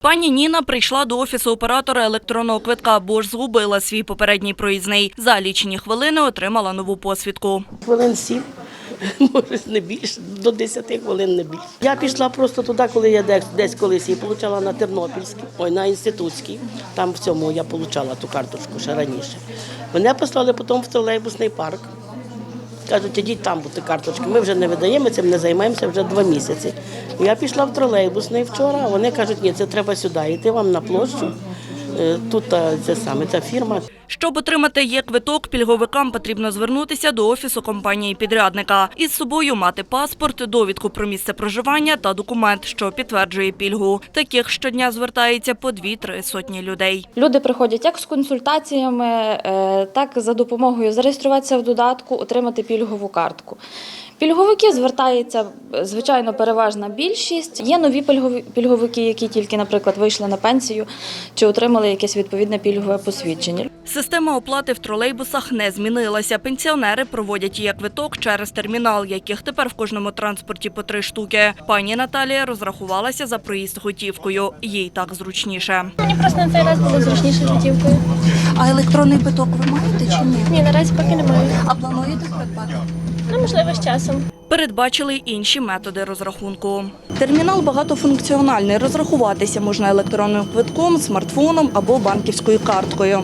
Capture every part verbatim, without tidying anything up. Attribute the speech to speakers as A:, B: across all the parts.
A: Пані Ніна прийшла до офісу оператора електронного квитка, бо ж згубила свій попередній проїзний. За лічені хвилини отримала нову посвідку.
B: Хвилин сім, може не більше, до десяти хвилин не більше. Я пішла просто туди, коли я десь, десь колись її отримала на Тернопільській, ой, на Інститутській. Там в цьому я отримала ту карточку ще раніше. Мене послали потім в тролейбусний парк. Кажуть, ідіть там бути карточки. Ми вже не видаємо, цим не займаємося вже два місяці. Я пішла в тролейбусний вчора, а вони кажуть, ні, це треба сюди, йти вам на площу. Тут це саме, ця фірма.
A: Щоб отримати є-квиток, пільговикам потрібно звернутися до офісу компанії-підрядника. Із собою мати паспорт, довідку про місце проживання та документ, що підтверджує пільгу. Таких щодня звертається по дві-три сотні людей.
C: Люди приходять як з консультаціями, так за допомогою зареєструватися в додатку, отримати пільгову картку. Пільговики звертаються, звичайно, переважна більшість. Є нові пільговики, які тільки, наприклад, вийшли на пенсію чи отримали якесь відповідне пільгове посвідчення.
A: Система оплати в тролейбусах не змінилася. Пенсіонери проводять є-квиток через термінал, яких тепер в кожному транспорті по три штуки. Пані Наталія розрахувалася за проїзд готівкою. Їй так зручніше.
D: Мені просто на цей раз було зручніше готівкою.
E: А електронний квиток ви маєте чи ні?
D: Ні, наразі поки немає.
E: А плануєте придбати?
D: Ну, можливо, з часом.
A: Передбачили й інші методи розрахунку.
E: Термінал багатофункціональний. Розрахуватися можна електронним квитком, смартфоном або банківською карткою.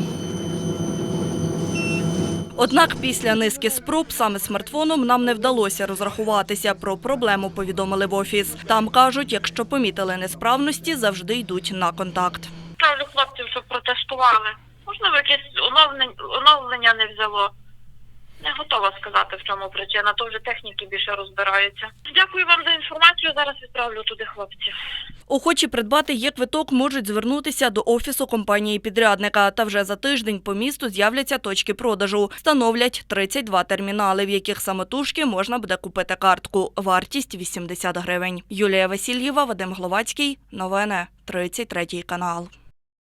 A: Однак після низки спроб саме смартфоном нам не вдалося розрахуватися. Про проблему повідомили в офіс. Там кажуть, якщо помітили несправності, завжди йдуть на контакт.
F: Ставлю хлопців, щоб протестували. Можливо, якесь оновлення не взяло. Не готова сказати, в чому причина, то вже техніки більше розбираються. Дякую вам за інформацію, зараз відправлю туди хлопців.
A: Охочі придбати є-квиток можуть звернутися до офісу компанії-підрядника. Та вже за тиждень по місту з'являться точки продажу. Встановлять тридцять два термінали, в яких самотужки можна буде купити картку. Вартість – вісімдесят гривень. Юлія Васильєва, Вадим Гловацький. Новини. тридцять третій канал.